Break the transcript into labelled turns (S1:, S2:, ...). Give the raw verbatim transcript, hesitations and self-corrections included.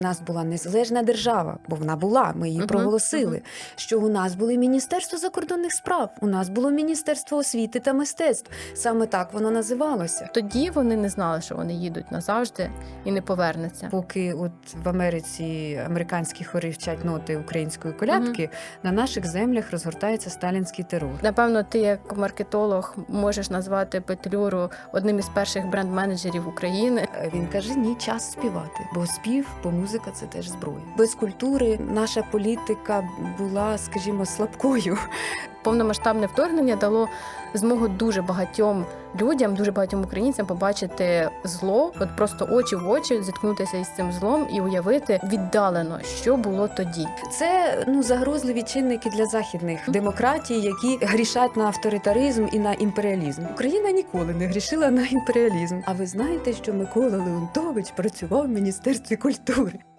S1: У нас була незалежна держава, бо вона була, ми її
S2: Мгм,
S1: проголосили.
S2: мгм.
S1: Що у нас були Міністерство закордонних справ, у нас було Міністерство освіти та мистецтв. Саме так воно називалося.
S2: Тоді вони не знали, що вони їдуть назавжди і не повернуться.
S1: Поки от в Америці американські хори вчать ноти української колядки, на наших землях розгортається сталінський терор.
S2: Напевно, ти як маркетолог можеш назвати Петлюру одним із перших бренд-менеджерів України.
S1: Він каже, ні, час співати, бо спів, бо музика – це теж зброя. Без культури наша політика була, скажімо, слабкою.
S2: Повномасштабне вторгнення дало змогу дуже багатьом людям, дуже багатьом українцям побачити зло, от просто очі в очі, зіткнутися із цим злом і уявити віддалено, що було тоді.
S1: Це ну загрозливі чинники для західних демократій, які грішать на авторитаризм і на імперіалізм. Україна ніколи не грішила на імперіалізм. А ви знаєте, що Микола Леонтович працював в Міністерстві культури?